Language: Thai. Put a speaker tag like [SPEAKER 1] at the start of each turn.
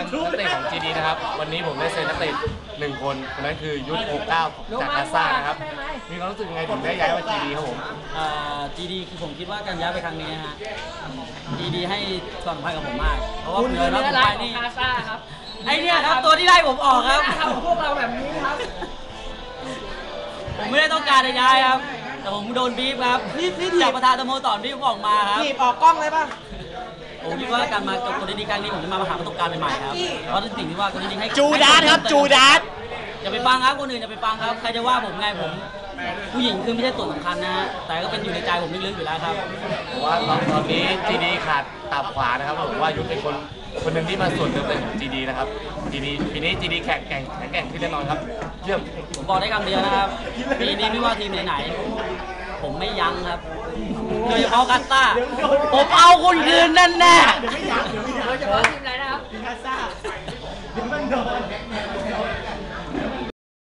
[SPEAKER 1] นักเตะของ GD นะครับวันนี้ผมได้เซ็นนักเตะ1 คนคนนั้นคือยุทธ69จากกาซ่านะครับมีความรู้สึกยังไงถึงได้ย้ายมา GD ครับผม
[SPEAKER 2] GD คือผมคิดว่าการย้ายไปครั้งนี้นะฮะ GD ให้ความสำคัญกับผมมากเพราะว่าผมเลยรับผมไปนี่ไอเนี่ยครับตัวที่ไล่ผมออกครับ
[SPEAKER 3] พวกเราแบบนี้ครับ
[SPEAKER 2] ผมไม่ได้ต้องการจะย้ายครับแต่ผมโดนบีบครับจากประธานสโมสรบีบผมออกมาครับ
[SPEAKER 3] ถีบออกกล้องเลยป่ะ
[SPEAKER 2] ผมคิดว่าการมากับคนดีๆครั้งนี้ผมจะมาหาประสบการณ์ใหม่ๆครับเพราะสิ่งที่ว่าคนดีๆให้
[SPEAKER 4] จูดาสครับจูดาส
[SPEAKER 2] อย่าไปฟังครับคนอื่นอย่าไปฟังครับใครจะว่าผมไงผมผู้หญิงคือไม่ใช่ส่วนสำคัญนะฮะแต่ก็เป็นอยู่ในใจผมลึกๆอยู่แล้วครับ
[SPEAKER 1] ผมว่าตอนนี้ GD ขาดตับขวานะครับผมว่ายุทธเป็นคนหนึ่งที่มาส่วนเติมเต็มของ GD นะครับ GD ปีนี้ GD แข็งแกร่งขึ้นแน่นอนครับเยี่ยม
[SPEAKER 2] ผมบอกได้คำเดียวนะครับปีนี้ไม่ว่าทีมไหนๆผมไม่ยั้งครับโดยเฉพาะกาซ่าผมเอาคุณคืนแน่ๆ
[SPEAKER 3] โดยเฉพาะทีมไหนนะครับกาซ่าเดี๋ยวมันโดน